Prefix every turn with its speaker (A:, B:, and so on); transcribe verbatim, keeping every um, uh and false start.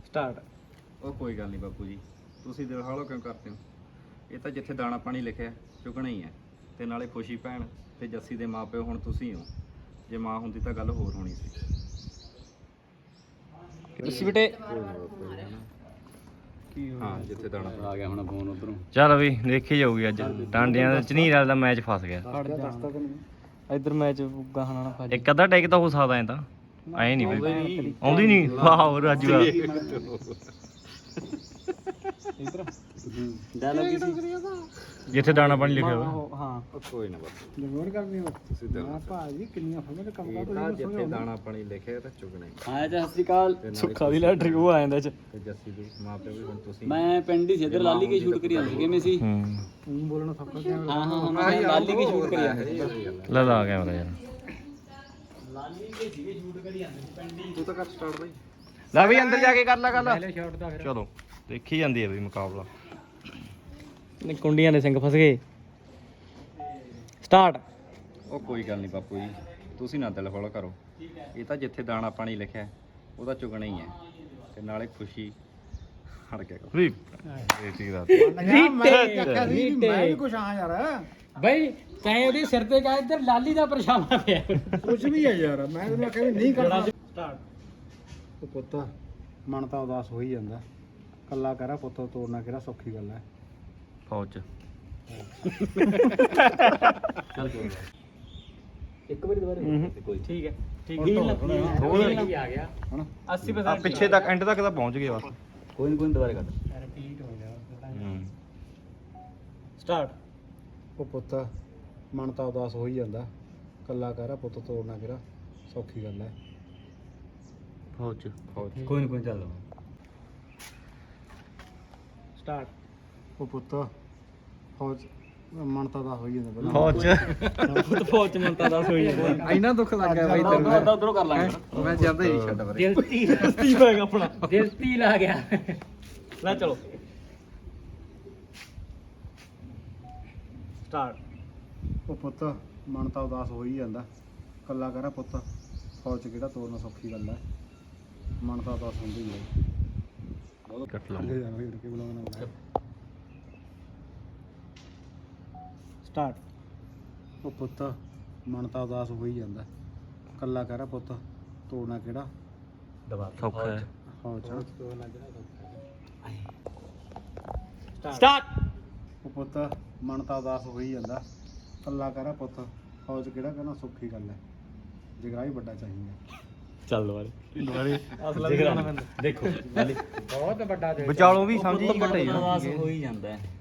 A: Start.
B: ਉਹ ਕੋਈ ਗੱਲ ਨਹੀਂ ਬਾਪੂ ਜੀ, ਤੁਸੀਂ ਦਿਲ ਹੌਲਾ ਕਿਉਂ ਕਰਦੇ ਹੋ? ਇਹ ਤਾਂ ਜਿੱਥੇ ਦਾਣਾ ਪਾਣੀ ਲਿਖਿਆ ਚੁਗਣਾ ਹੀ ਹੈ। ਤੇ ਨਾਲੇ ਖੁਸ਼ੀ ਭੈਣ ਤੇ ਜੱਸੀ ਦੇ ਮਾਪਿਓ ਹੁਣ ਤੁਸੀਂ ਹੋ। ਜੇ ਮਾਂ ਹੁੰਦੀ ਤਾਂ ਗੱਲ ਹੋਰ ਹੋਣੀ ਸੀ।
A: ਜੱਸੀ ਬੇਟੇ
B: ਹਾਂ ਜਿੱਥੇ ਦਾਣਾ
C: ਆ ਗਿਆ ਹੁਣ ਫੋਨ ਉਧਰੋਂ।
D: ਚੱਲ ਵੀ ਦੇਖੀ ਜਾਊਗੀ ਅੱਜ ਟਾਂਡਿਆਂ ਦਾ ਝਨੀਰ ਵਾਲਾ ਦਾ ਮੈਚ ਫਸ ਗਿਆ।
A: ਇੱਧਰ ਮੈਚ ਗਾਹਣਾ ਨਾ ਫਸ
D: ਇੱਕ ਅੱਧਾ ਟੇਕ ਤਾਂ ਹੋ ਸਕਦਾ ਐ ਤਾਂ ਐ ਨਹੀਂ ਬਈ ਆਉਂਦੀ ਨਹੀਂ। ਵਾਹ ਰਾਜੂ ਆ
A: ਡਾਇਲੌਗ ਸੀ
D: ਜਿੱਥੇ ਦਾਣਾ ਪਾਣੀ ਲਿਖਿਆ ਹੋਇਆ।
A: ਹਾਂ
B: ਕੋਈ ਨਾ ਬਾਪੂ
E: ਜਮੋਰ ਕਰਨੀ
B: ਤੁਸੀਂ ਦਿਲ ਨਾ
E: ਭਾਜੀ ਕਿੰਨੀਆਂ ਫੋਟੋ ਤੇ ਕੰਮ
B: ਇਹ ਤਾਂ ਜਿੱਥੇ ਦਾਣਾ ਪਾਣੀ ਲਿਖਿਆ ਤਾਂ ਚੁਗਣਾ ਹੀ।
C: ਆਇਆ ਜੀ ਸਤਿ ਸ਼੍ਰੀ ਅਕਾਲ।
B: ਤੇ ਨਾਲੇ
A: ਸੁੱਖਾ ਦੀ ਲੈਟਰੀ ਉਹ ਆ ਜਾਂਦਾ ਚ।
B: ਤੇ ਜੱਸੀ ਦੇ ਮਾਪਿਓ ਵੀ ਹੁਣ ਤੁਸੀਂ
C: ਮੈਂ ਪਿੰਡ ਹੀ ਸੀ ਇੱਧਰ ਲਾਲੀ ਕੇ ਸ਼ੂਟ ਕਰੀ ਜਾਂਦੇ ਕਿਵੇਂ ਸੀ?
D: ਹੂੰ
E: ਤੂੰ ਬੋਲਣਾ ਸੌਖਾ ਕਿਵੇਂ
C: ਹਾਂ ਹਾਂ ਹਾਂ ਮੈਂ ਲਾਲੀ ਕੇ ਸ਼ੂਟ ਕਰੀ ਜਾਂਦੇ
D: ਲੈ ਲਾ ਕੈਮਰਾ ਯਾਰ।
C: ਲਾਲੀ ਕੇ ਸੀਗੇ ਸ਼ੂਟ ਕਰੀ ਜਾਂਦੇ ਸੀ ਪਿੰਡ ਹੀ।
B: ਤੂੰ ਤਾਂ ਕਰ ਸਟਾਰਟ ਬਾਈ।
D: ਲੈ ਵੀ ਅੰਦਰ ਜਾ ਕੇ ਕਰ ਲੈ ਗੱਲ।
E: ਪਹਿਲੇ ਸ਼ਾਟ ਦਾ ਫਿਰ
D: ਚਲੋ ਦੇਖੀ ਜਾਂਦੀ ਹੈ ਬਈ ਮੁਕਾਬਲਾ।
A: ਨੇ ਕੁੰਡੀਆਂ ਦੇ ਸਿੰਘ ਫਸ ਗਏ। ਸਟਾਰਟ।
B: ਉਹ ਕੋਈ ਗੱਲ ਨਹੀਂ ਬਾਪੂ ਜੀ, ਤੁਸੀਂ ਨਾ ਦਿਲ ਹੌਲਾ ਕਰੋ। ਇਹ ਤਾਂ ਜਿੱਥੇ ਦਾਣਾ ਪਾਣੀ ਲਿਖਿਆ ਉਹਦਾ ਚੁਗਣਾ ਹੀ ਹੈ। ਤੇ ਨਾਲੇ ਖੁਸ਼ੀ ਹਟ ਗਿਆ
D: ਵੀ ਇਹ ਠੀਕ ਦਾ
E: ਮੈਂ ਚੱਕਿਆ ਸੀ ਵੀ ਮੈਂ ਵੀ ਕੁਛ ਆ ਯਾਰ
A: ਬਈ ਤੈਂ ਉਹਦੇ ਸਿਰ ਤੇ ਕਾ ਇੱਧਰ ਲਾਲੀ ਦਾ ਪਰਛਾਵਾਂ ਪਿਆ।
E: ਕੁਛ ਵੀ ਹੈ ਯਾਰ, ਮੈਂ ਤੈਨੂੰ ਆਖਿਆ ਵੀ ਨਹੀਂ ਕਰਨਾ। ਉਹ ਪੁੱਤ ਮਨ ਤਾਂ ਉਦਾਸ ਹੋ ਹੀ ਜਾਂਦਾ, ਕੱਲਾ ਕਰਾ ਪੁੱਤ ਤੋੜਨਾ ਕਿਹੜਾ ਸੌਖੀ ਗੱਲ ਹੈ।
D: ਫੌਜ ਚ
C: ਇੱਕ ਵਾਰੀ ਦੁਬਾਰਾ ਕੋਈ
A: ਠੀਕ ਹੈ ਠੀਕ
E: ਹੁਣ
A: ਹੈ।
E: ਹੋਰ
A: ਆ ਗਿਆ
E: ਹੁਣ
A: ਅੱਸੀ
D: ਆ
A: percent
D: ਪਿੱਛੇ ਤੱਕ ਐਂਡ ਤੱਕ ਤਾਂ ਪਹੁੰਚ ਗਏ ਬਸ।
C: ਕੋਈ ਨਹੀਂ ਕੋਈ ਦੁਬਾਰਾ ਕਰ।
E: ਰਿਪੀਟ ਹੋ ਜਾ।
D: ਹੂੰ
A: ਸਟਾਰਟ।
E: ਉਹ ਪੁੱਤ ਮਨ ਤਾਂ ਉਦਾਸ ਹੋ ਹੀ ਜਾਂਦਾ, ਕੱਲਾ ਕਰਾ ਪੁੱਤ ਤੋੜਨਾ ਕਿਹੜਾ ਸੌਖੀ ਗੱਲ ਹੈ।
D: ਫੌਜ ਚ
B: ਫੌਜ
C: ਕੋਈ ਨਹੀਂ ਕੋਈ ਚੱਲ।
A: ਸਟਾਰਟ।
E: ਉਹ ਪੁੱਤ ਫੌਜ ਮਨ ਤਾਂ ਉਦਾਸ ਹੋ ਹੀ ਜਾਂਦਾ ਪਹਿਲਾਂ।
D: ਫੌਜ ਚ
A: ਖੁਦ ਫੌਜ ਚ ਮੰਤਾ ਦਾ ਸੋਈ ਜਾਂਦਾ।
B: ਇੰਨਾ ਦੁੱਖ ਲੱਗ ਗਿਆ ਬਾਈ
C: ਉਧਰ ਉਧਰੋਂ ਕਰ ਲਾਂਗੇ।
B: ਮੈਂ ਜਾਂਦਾ ਹੀ ਨਹੀਂ ਛੱਡ ਬਾਰੇ।
A: ਦਿਲ ਤੀ ਤੀ ਹੋਏਗਾ ਆਪਣਾ ਦਿਲ ਤੀ ਲਾ ਗਿਆ। ਲੈ ਚਲੋ ਸਟਾਰਟ।
E: ਉਹ ਪੁੱਤ ਮਨ ਤਾਂ ਉਦਾਸ ਹੋ ਹੀ ਜਾਂਦਾ, ਕੱਲਾ ਕਰਾ ਪੁੱਤ ਫੌਜ 'ਚ ਕਿਹੜਾ ਤੋੜਨਾ ਸੌਖੀ ਗੱਲ ਹੈ। ਮਨ ਤਾਂ ਉਦਾਸ ਹੁੰਦੀ ਹੀ ਹੈ।
D: ਕੱਟ ਲਾ
E: ਕੇ ਬੁਲਾਉਣਾ
A: ਸਟਾਰਟ।
E: ਉਹ ਪੁੱਤ ਮਨ ਤਾਂ ਉਦਾਸ ਹੋ ਹੀ ਜਾਂਦਾ, ਕੱਲਾ ਕਰਾ ਪੁੱਤ ਤੋੜਨਾ ਕਿਹੜਾ
D: ਸੌਖਾ ਹੈ।
E: ਫੌਜ 'ਚ।
A: ਸਟਾਰਟ।
E: ਉਹ ਪੁੱਤ ਮਨ ਤਾਂ ਉਦਾਸ ਹੋ ਹੀ ਜਾਂਦਾ, ਕੱਲਾ ਕਰਾ ਪੁੱਤ ਫੌਜ 'ਚ ਕਿਹੜਾ ਕਹਿਣਾ ਸੌਖੀ ਗੱਲ ਹੈ। ਜਗਰਾ ਹੀ ਵੱਡਾ ਚਾਹੀਦਾ।
A: ਚੱਲ ਦੁਬਾਰੇ ਦੁਬਾਰੇ ਅਸਲਾ ਵੀ ਗਾਣਾ ਪੈਂਦਾ। ਦੇਖੋ
E: ਬਹੁਤ ਵੱਡਾ
D: ਵਿਚਾਲੋਂ ਵੀ ਸਮਝੀ ਘਟੇ
C: ਉਦਾਸ ਹੋ ਹੀ ਜਾਂਦਾ ਹੈ।